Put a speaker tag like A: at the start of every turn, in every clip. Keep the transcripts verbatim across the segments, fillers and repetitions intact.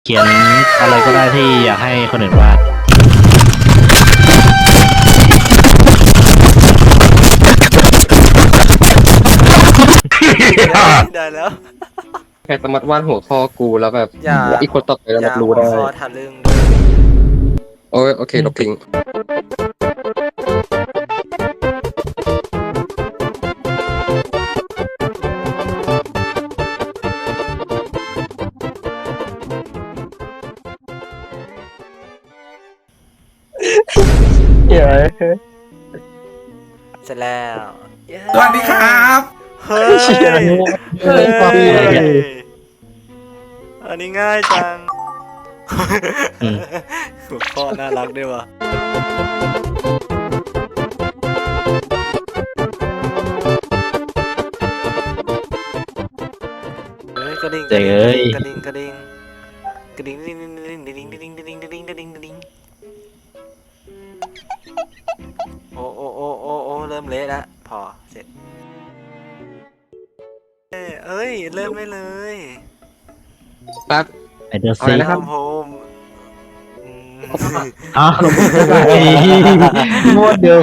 A: เขียนอะไรก็ได้ที่อยากให้คนอื่นวาด
B: ได้แล้ว
C: แค่สามารถวาดหัวข้อกูแล้วแบบ
B: อย่า
C: อีกคนต่อไปแล้ว
B: อ
C: รั
B: ย่า
C: บรู้
B: หัว
C: ได้
B: ข้อทะลึ่ง
C: โอ้ยโอเคลบทิ้งเย้ย
B: เสร็จแล้วเย้
D: สวัสดีครับ
B: เฮ้ย
C: เชี่ย
B: เฮ้ย
C: ความเหี้ย
B: อันนี้ง่ายจัง
A: อืม
B: หัวข้อน่ารักด้วยวะเฮ้ยกระดิ่งก
A: เจ๋
B: ระ
A: ง
B: ดิ่
A: เอ้ย
B: งกระดิ่งกระดิ่งกระดิ่งกระดิ่งกระดิ่งกระดิ่งกระดิ่งกระดิ่งกระดิ่งกระดิ่งกระดิ่งโอ้โอ้โอ้โอ้โอ้เริ่มเละแล้วพอเสร็จเอ้ยเอ้ยเริ่มได้เลย
C: แป๊บ
A: ไอเดอร์
C: อะไร
A: ซี
C: นะครับ
B: ผมผมอืม
A: อ้าวมวดเดียว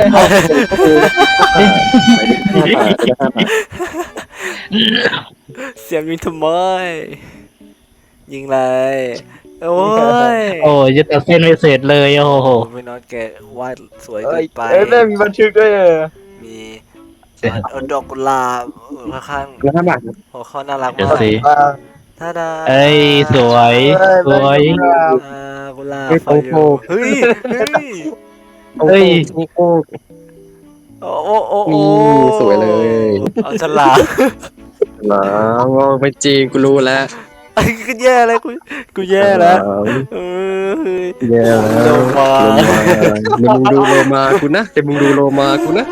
B: เสียงยิงทำไมยิงเลยโอ้ย
A: โอ้ยจะตัดเส้นไม่เสร็จเลยโอ้โห
B: ไม่นอนแกวาดสวยเกินไป
C: เอ้ยแม่มีบันทึกด้วยเออ
B: มีเอาดอกกุหลาบข้าง
C: แล้วถ้าบัตร
B: ๆหัวข้อน่ารัก
A: เดี๋ยว
B: มาก
A: สิ
B: ท่าดา
A: เอ้ยสวยสวย
B: อ่ากุหลาบ for you เฮ้ยเฮ้ย
A: เฮ้ย
C: นี่โอ้
B: โอ้โอ้โอ้โอ้
C: นี่สวยเลย
B: เอาฉลาม
C: หลามองไปจริงกูรู้แล้ว
B: ไอ้กูแย่แล้วกูกูแย่แล้วเออ
C: แย่แล้ว
B: โลมา
C: โลมาเดี๋ยวมึงดูโลมากูนะเดี๋ยวมึงดูโลมากูนะ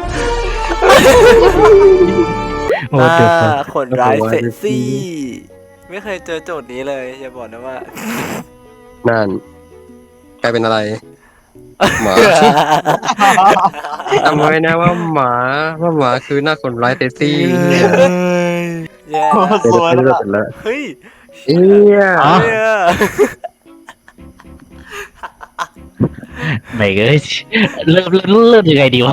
A: โอ้
B: หน้า
A: เดี๋ยวก่อน
B: คนร้ายเซ็กซี่ ไม่เคยเจอโจทย์นี้เลยอย่าบอกนะว่า
C: นั่นกลายเป็นอะไร หมาจำไว้นะว่าหมาว่าหมาคือหน้าคนร้ายเซ็กซี่เนี่ย
B: แย่
C: เป็นเรื่องเป็นแล้ว
B: เฮ้ย
C: เอี้ย
B: เหี้ย
A: ไม่เอ้ยเริ่มเริ่มเริ่มยังไงดีวะ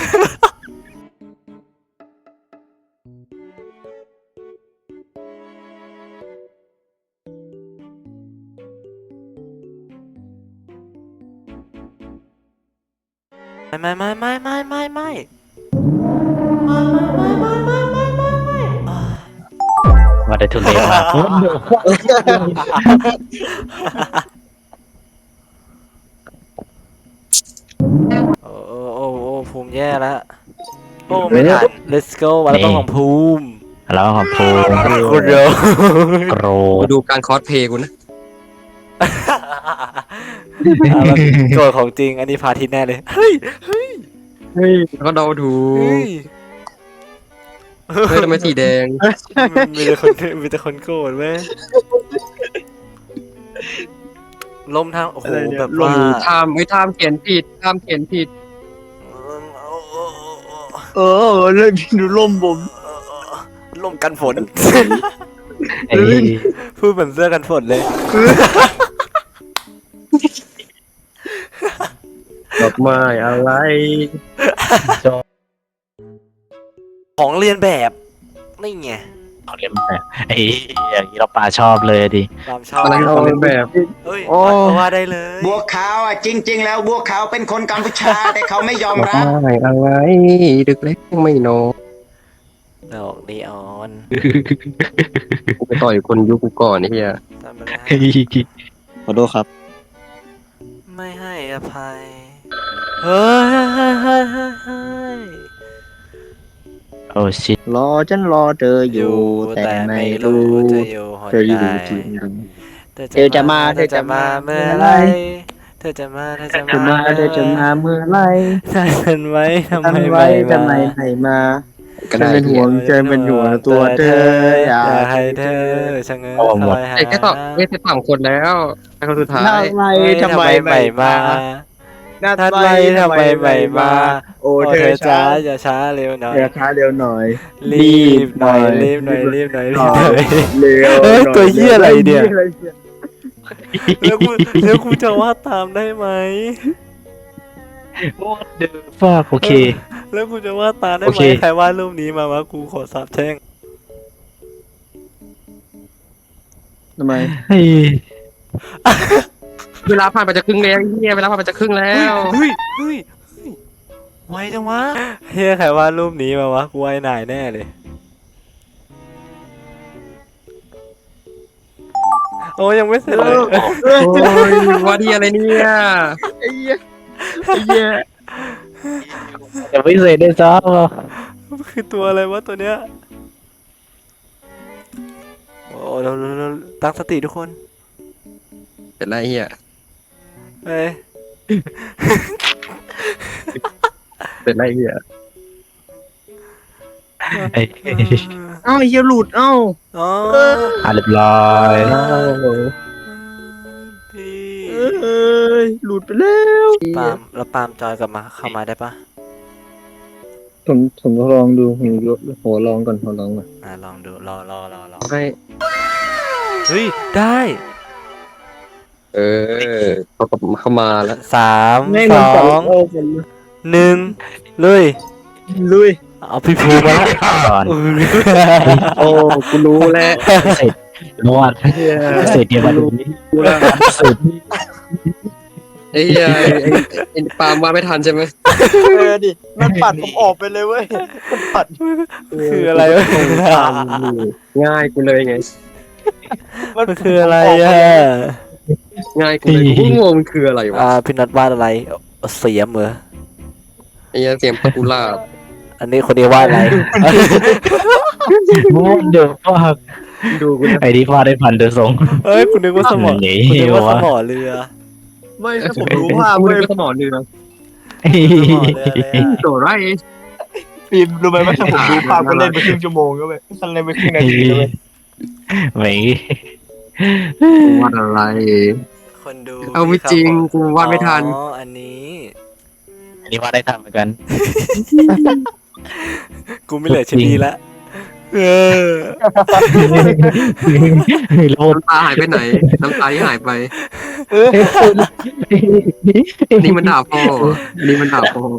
B: ไม่ไม่ไม่ไม่ไม่ไม่ไม่ไม่ไม่ไม่ไม่ไม่ไม่ไม่อ่า
A: มาได้ทุเรศมากโอ้โห
B: โอ้โอ้โอ้โอ้ภูมิแย่แล้วโอ้ไม่ทัน let's go วันละต้องของภูมิ
A: แล้วของภู
B: กูเดียว
A: โกร
C: มา
A: ธ
C: ดูการคอสเพลย์กูนะ
B: โจทย์ของจริงอันนี้พาทิตย์แน่เลยเฮ้ยเฮ้ย
C: เฮ้ยแล้วก็เดาถู
B: เฮ้
C: ก
B: ย
C: เฮ้ยทำไมสีแดง
B: มีแต่คนมีแต่คนโกรธเว้ยลมทางโอ้โหแบบว่า
C: ทามไม่ทามเขียนผิดทามเขียนผิด
E: เออเรื่องที่ดูล่มผม
B: ลมกันฝน
A: ไอ้
B: พูดเหมือนเสื้อกันฝนเลย
C: ดอกไม้อะไร
B: ของเรียนแบบนี่ไง
A: เอาเล่นแบบไอ้อย่างนี้เราป่าชอบเลยดิ
B: ความชอบ
C: อะไรเขาเป็นแบบ
B: เฮ้ย
E: โอ้
B: ว่าได้เลย
D: บัวขาวอ่ะจริง ๆ แล้วบัวขาวเป็นคนกัมพูชา แต่เขาไม่ยอม
C: ดอก
D: รับ
C: ไม้อะไรดึกเล็กไม่นอน
B: ดอกนีออน
C: กูไปต่อยคนยุคกูก่อนนี่เฮีย
B: ทำไม่ได้
E: ขอโทษครับ
B: ไม่ให้อภัย เฮ้ยเฮ้ยเฮ้ยเฮ้ยเฮ้ยเฮ้ย
A: โอ้ชิต
E: รอฉันรอเธออยู่ แต่ไม่รู้
B: จะอยู่หน
E: เธออยู่
B: ใด
E: ที่ไหน
B: เธอ
E: เธอจะมา
B: เธอจะมาเมื่อไรเธอจะมาเธอจะ
E: เธอ
B: มา
E: มาเธอจะมาเมื่อไร
B: ได้ฉันไว้ทำไม
E: ทำไว้
B: ไม่
E: ทำไม
B: มา
E: ไม่มา
C: ก็
E: ฉัน
C: ได้
E: เป็นห่วงใจเป็นห่วงตัวเธออยาก
B: อยากให้เธอชะเง้อคอยหา
C: ไอ้แค่ตอบไอ้แค่สามคนแล้วไอ้คนสุดท้าย
E: ทำไม
B: เฮ้ย
E: ทำไมไม่มา
B: นัดไว้ทำไมไม่มา
E: โอ้
B: โอ้
E: เธ
B: เธ
E: อ
B: อ
E: ช้า
B: ช้าอย่าช้าเร็วหน่อย
E: เดี๋ยวช้าเร็วหน่อย
B: รีบหน่อยรีบหน่อยรีบหน่อยรีบหน่อย
E: เร็ว
B: เอ้ย
E: หน่อ
B: ตัวเหี้ยอะไรเนี่ย
E: ตัวหี้อะไร
B: แล้วกูแล้วกูจะวาดตามได้ไหม
A: What the fuck โอเค
B: แล้วกูจะวาดตามได้
A: โอ
B: ไหม
A: เค
B: ใครวาดรูปนี้มาวะกูขอสาบแช่ง
E: ทำไม
A: เฮ้ย
C: เวลาผ่านไปจะครึ่งแล้วเฮียเวลาผ่านไปจะครึ่งแล้ว
B: เฮ้ยเฮ้ยเฮ้ยไวจังวะเฮียใครวาดรูปนี้มาวะกูไอ้นายแน่เลยโอ้ยังไม่เสร็จเลย
C: โอ้ยว่าดีอะไรเนี่ย
E: ไอ้เหี้ยไอ้เหี้ย
A: จะไม่เสร็จได้ซ้ำ
B: คือตัวอะไรวะตัวเนี้ยโอ้เราเราเราตั้งสติทุกคน
C: เป็นไรเฮีย
B: เอ้ย
C: เป็นไรเฮีย
A: ไอ้
E: เอ้าไอ้เหี้ยหลุดเอ้า
B: อ๋อ
A: อ่ะเรียบร้อย
B: พี่
E: เอ้ยหลุดไปแล้ว
B: ปาล์มเราปาล์มจอยกลับมาเข้ามาได้ปะ
E: ผมผมลองดูผมขอลองก่อนขอลองก่อน
B: อ่าลองดูรอรอรอรอ
C: ให้
B: เฮ้ยได้
C: เออเขากลับเข้ามาแล้ว
B: สาม
E: แม่ง
B: ส
E: มัน
B: อ
E: จับ
B: ง
E: โอ้ผม
B: หนึ่งเลย
E: ลุย
B: เอาพี่ภูมาละ
A: ก่อน
C: โอ้กูรู้แล้ว
A: เสร็จนวด
E: เหี้ย
A: เสร็จเดียวมาดูนี้
E: กูแล้ว
A: เสร็จ
C: ไอ้เฮียไอ้ไอ้ไอ้ปาล์มว่าไม่ทันใช่ไหม
E: เออดิมันปัดผมออกไปเลยเว้ยมันปัด
B: คืออะไรวะ
C: ง่ายกูเลยไง
B: มันคืออะไรอ่ะ
C: ง่ายกูเลยกูงงมันคืออะไรวะ
B: อ่าพี่นัทวาดอะไรเสียมเหรอ
C: ไอ้เหี้ยเสียงปากูล่า
B: อันนี้คนนี้วาดอะไร
A: มูนเดือดมาก
C: ดูกูนะ
A: ไอ้นี่ฟาดได้พันเดือดสอง
B: เอ้ยคุณนึกว่าสมอ
A: หนี
B: คุณนึกว่าส
A: วะ
B: มอเรือ
E: ไม่ถ้าผมรู้ภาพ
C: กู
E: เว้ย
C: นึกว่าสมองเรือ
B: สมอเรือเลยอะ
C: โดดไร
E: ฟิล์มรู้ไหมว่าถ้าผมรู้ภาพก็เล่นไปครึ่งชั่วโมงก็เว้ยท่านเล่นไปครึ่งนาทีก็เว้ย
A: ไม่
C: วาดอะไร
B: คนดู
C: เอาไม่จริงกูวาดไม่ทัน
B: อ๋ออันนี้
A: อันนี้ฟาดได้ทำเหมือนกัน
B: กูไม่เหลือชิ้นดีละเออ
A: โลด
C: น้ำตาหายไปไหน น้ำตาที่หายไป นี่มันด่าพ่อ นี่มันด่าพ่อ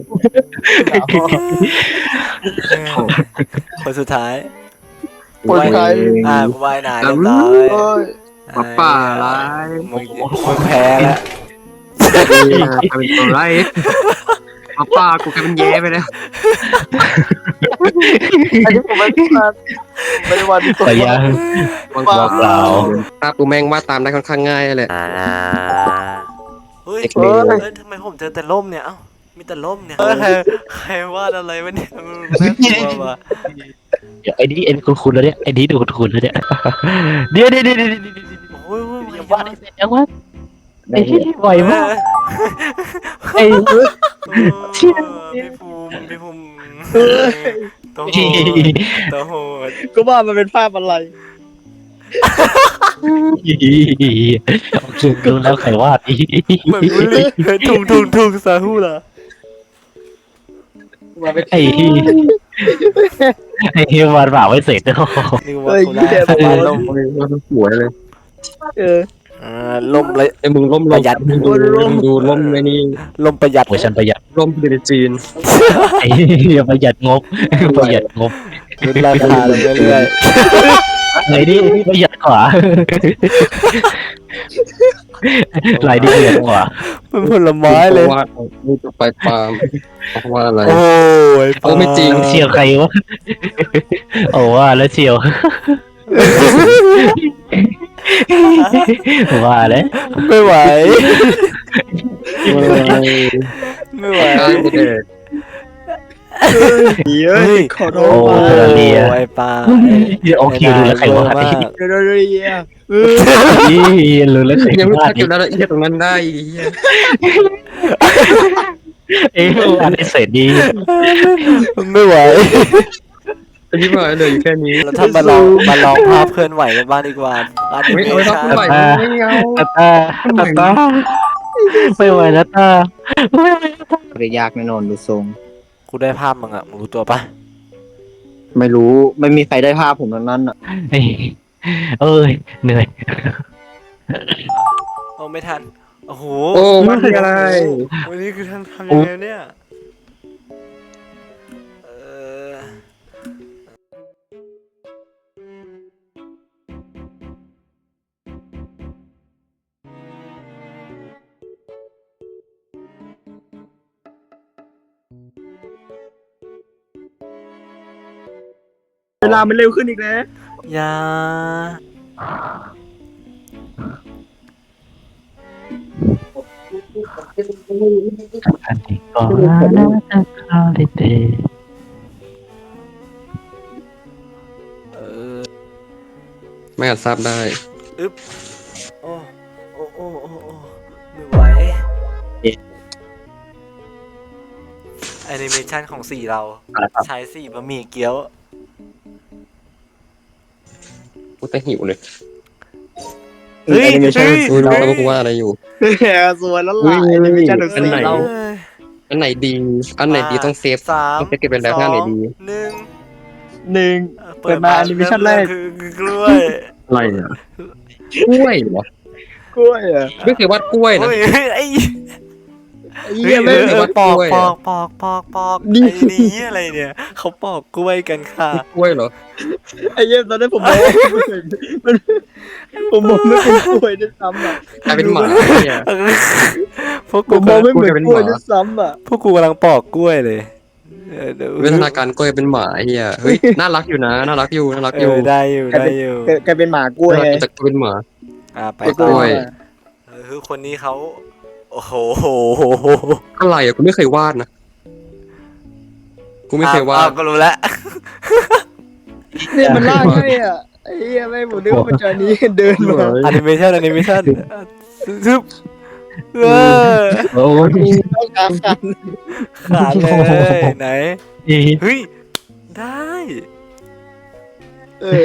B: คนสุดท้าย
E: คนไทย
B: อ่ากูว่ายนายเรียบร้อย
E: โอ้ย
C: ป้าป่าร้าย
B: มึงมึงแพ้แล้ว
C: นี่กลายเป็นตัวไรายป้าป่ากูกลายเป็นแย่ไปแล้ว
E: อันนี้ผมไม่ได้มาไม่ได้วันที่ตัว
A: แต่ยัง
C: วาง
A: บอกเรา
C: ภาพกูแม่งวาดตามได้ค่อนข้างง่ายเลย
B: อ่าเฮ้ย
C: เทค
B: เ
C: นิค
B: อ้ยทำไมผมเจอแต่ล่มเนี่ย เอ้า มีแต่ล่มเนี่ยเออใครใครวาดอะไรวะเนี่ยมันน่ากลัวว่ะ
A: เดี๋ยวไอ้นี่เอ็นคุณคุณแล้วเนี่ยไอ้นี่ดูคุณคุณแล้วเนี่ยเดี๋ยวเดี๋ยวเดี๋ยวเดี๋ยวเดี๋ยว
B: โอ้ยโอ้ย
A: ยังวาดไม่เสร็จยังวะไอ้ที่ไหวมากไอ้
B: เออพี่ภูมิพี่ภูมิตัวโหดตัวโหด
E: ก็ว่ามันเป็นภาพอะไร
A: โอเครู้แล้วใครวาดอี
B: เหมือนกูเลยถูกถูกถูกซาฮูล่ะ
A: ไอ้ไอ้เฮียวาดเปล่าไม่เสร็จเนาะ
B: นี่ว่ากูได้สบายล่ม
C: สวยเลย
E: เออ
B: อ่าล่มเลย
C: ไอ้มึงล่ม
B: ประหยัด
C: มึงดูมึงดูล่มไอ้นี่
B: ล่มประหยัด
A: โอ้ยฉันประหยัด
C: ล่มที่ในจีน
A: ไอ้เฮียประหยัดงบประหยัดงบ
B: ลดราคาลงเรื่อย
A: ไหนดิประหยัดกว่าไหนดิประหยัดกว่า
B: ๆเป็นผลไม้เลย
C: วาดมึงจะไปปาล์มวาดอะไร
B: โอ้ย
C: โอ้ไม่จริง
A: เชียวใครวะโอ้ว่าแล้วเชียวว่าแล้ว
B: ไม่ไหว
C: อะไร
B: ไม่ไหว
C: ได้ไม่เด็ด
E: เฮ้ยขอโท
A: โอ้
E: ษ
A: เธอเรีย
B: ไอ้ปลา
A: โอเครู้แล้วใครวาด
B: ไอ้นาย
E: เดี๋ยวเดี๋ยวเดี๋ยวเออ
A: รู้แล้วใคร
C: ยังไม่
A: วา
C: ทั
A: ด
C: กอยู่แล้วละเอียดตรงนั้นได้อีกเหี้ย
A: เอ้วาดได้เสร็จดี
B: ไม่ไหว
C: อันนี้ว่าเหลืออยู่แค่นี้
B: เราทำมาลองมาลองภาพเคลื่อนไหวกันบ้างดีกว่าภาพ
C: ไม่
B: ที่
C: เอา
B: ไม่
C: ไว้รับ
B: ใช่
C: ผู้ใหม่ไม่เอา
A: ตาตาตาตาไม่ไหวแล้วตาไม่ไหว
E: เรียกยากแน่นอนดูทรง
B: กูได้ภาพมึงอะมึงรู้ตัวปะ
E: ไม่รู้ไม่มีใครได้ภาพผมทั้งนั้นอ่ะ
A: เอ้ยเหนื่อย
B: อ้ไม่ทันโอ้โห
C: โอ้มันคืออะไร
B: วันนี้คือทำทำยังไงเนี่ยเออ
E: เวลามันเร็วขึ้นอีกแล้ว
B: อย่า
A: อันนี้ก็น่าจะเข้าได้เตะ
B: เออ
C: ไม่อาจทราบได้
B: อึ๊บโอ้โอ้โอ้โอ้โอ้ไม่ไหวแอนิเมชันของสีเรา ใช้สีบะหมี่เกี๊ยว
C: กูจะหิวเลย
B: เฮ้ย
E: แอนิเมชั่น
C: รู้แล้วว่ากูว่าอะไรอยู่
E: แหมสวยแล้วล่ะแอนิเมชั่นของสีเรา
C: อันไหนดี อันไหนดีต้องเซฟ
B: สาม
C: ต้องเซฟเก็บเป็นแบบหน้าไหนดี
B: หนึ่ง
E: หนึ่ง เปิดมา animation แรก
B: คือกล้วย
A: อะไรอ่ะ
C: กล้วยเหรอก
E: ล้วยอ่ะ
C: ไม่เคยวาดกล้วยนะ
B: โอ้ยไอ้
E: ไอ้เหี้ย
B: เอ
E: ไม่
B: อ
E: เห
B: เอ
E: มื
B: อ
E: อน
B: ปอก
C: กล้วย
B: ป
C: อะ
B: อกปอกปอกปอก
E: นี่
B: ไอ้นี้อะไรเนี่ยเขาปอกกล้วยกันค่ะ
C: กล้วยเหรอ
E: ไอ้เหี้ยตอนนั้นผมมองมันผมมองไม่เป็นกล้วยด้วยซ้ำอ่ะ
C: กลายเป็นหมาเนี่ย
B: พวก
E: ผ
B: กู
E: มมองไม่เหมือน
C: กล้วยเป็น
E: กล้วย
C: หมา
E: ด้วยซ้ำอ่ะ
B: พวกกูกำลังปอกกล้วยเลยเออเดี๋ยว
C: วิวัฒนาการกล้วยเป็นหมาเฮียเฮ้ย น่ารักอยู่นะ น่ารักอยู่ น่ารัก
B: เอ
C: อยู่
B: อได้อยู่ได้อยู่
E: กลายเป็นหมากล้วย
C: น่ารั
E: ไง
C: กจากเป็นหมา
B: อ่าไป
E: ไอ้
B: ต่
E: ก
B: อ
E: ล้วย
B: เออคือคนนี้เขาโอ้โห
C: อะไรอ่ะ กูไม่เคยวาดนะ กูไม่เคยวา
B: อ่ะ
C: ด
B: อ่ะก็รู้แล้ว
E: เนี่ยมันลากให้อ่ะไอ้เหี้ยไม่ผมนึกว่ามันจะนี้เดินมา
B: แอนิเมชันแอนิเมชันทึบเออ
A: โอ้ย
E: ต้องการกัน
B: ขาดเลยไหน
A: นี่
B: เฮ้ยได้
E: เออ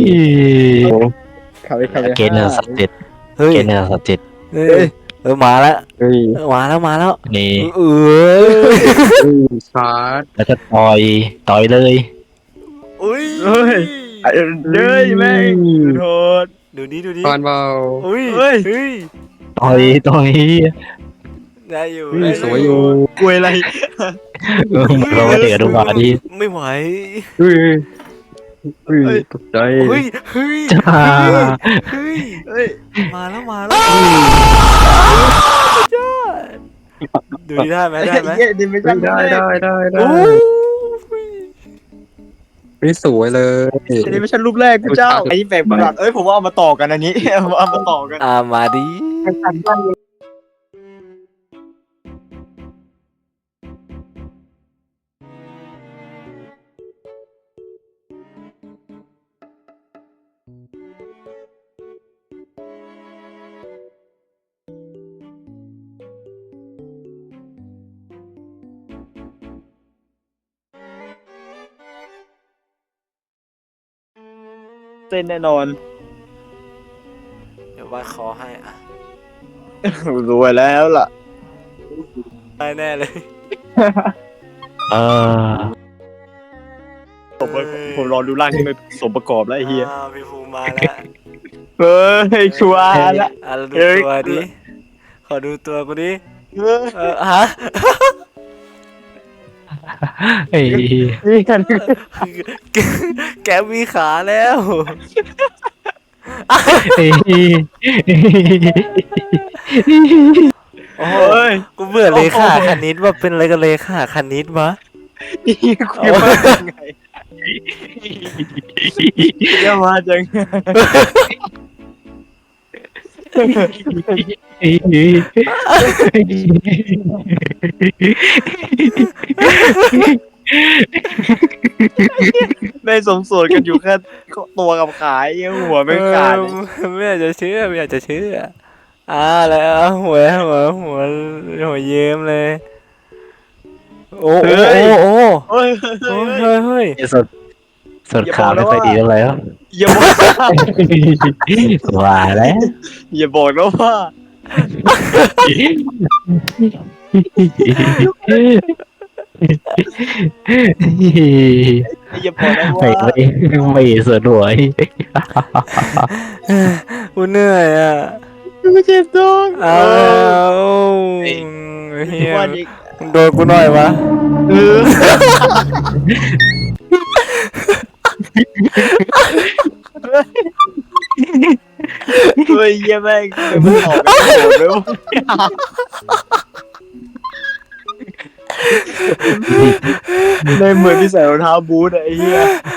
E: เขาไปเขาไป
A: เกณฑ์เนอร์สับเจ็ด
B: เฮ้ย
A: เกณฑ์เนอร์สับเจ็ด
B: เฮ้ยเออมาแล้ว
C: เฮ้ย
B: เออมาแล้วมาแล้ว
A: นี่
B: เออ
C: ชาร์จ
A: แล้วก็ต่อยต่อยเลย
B: อุ้ย
E: เฮ้ยเด้ยแม่งโทษ
B: ดูนี่ดูนี่
C: ปานเบา
B: อุ้ย
E: เฮ้ย
B: เฮ้ย
A: ต่อยต่อย
B: ได้อยู่
C: เฮ้ย
B: ได้
C: สวยอยู่
E: กล้วยอะไร
A: เออเราเด็กอนุบาลดิ
B: ไม่ไหว
C: เฮ้ยเฮ้ยตกใจ
B: เฮ้ยเฮ้ย
A: จ้า
B: เฮ้ย
E: เฮ้ย
B: มาแล้วมาแล้วสุดยอดดูนี่ได้ไหมได้ไหม
E: เย้ดิไม่ใช่
C: ได้ได้ได้ได้
B: โอ้ย
C: นี่สวยเลย
E: ดิไม่ใช่รูปแรกกูเจ้าไอ้แปลกประหลาดเอ้ยผมว่าเอามาต่อกันอันนี้เอามาต่อกัน
B: อ่ามาดิ
E: เต้นแน่นอน
B: เดี๋ยวว่าดคอให้อ่ะ
E: รวยแล้วล่ะ
B: ได้แน่เลย
A: เออ
E: ผมผมรอดูร่างที่มันสมประกอบแล้วไอ้เฮีย
B: อ่าพี่ภูมิมาแล้ว
E: เฮ้ยชัวร์ละ
B: อ่ะเราดู
E: เอ้ย
B: ตัวดิขอดูตัวกูดิ
E: เฮ้ย
B: เออฮะ
A: ไอ้
E: นี่กัน
B: แกแกมีขาแล้ว
A: ไอ้
B: โอ้โห
E: เฮ้ย
B: กูเบื่อเลขาคณิตว่าเป็นอะไรกับเลขาคณิตวะ
E: นี่คุยมายังไงจะมาจังไง ไม่สมส่วนกันอยู่แค่ตัวกับขาไอ้หัวไม่ขาด
B: เออไม่อยากจะเชื่อไม่อยากจะเชื่ออ่าแล้วหัวหัวหัวหัวเยิ้มเลย โอ้โอ้โอ้
E: เฮ้ย
B: โอ้เฮ้ยเฮ้ย
A: สดสดข่าวไม่ค่อยดีเท่าไหร่แล้ว
E: อย่าบอก
A: ว่าแล้ว
E: อย่าบอกนะว่าอย่าบอกนะ
A: ไม่
E: ว่า
A: ไม่ไม่สะดวย
B: กูเหนื่อยอ่ะ
E: ไม่เจ็บท้อง
B: อ้าวเฮีย
E: วันอีก
B: มึงโดนกูหน่อยวะ
E: เออเฮ้ยเยี่ยแม่งมันออกกันโหดเลยวะในเหมือนที่ใส่รองเท้าบูทอะไอ้เหี้ย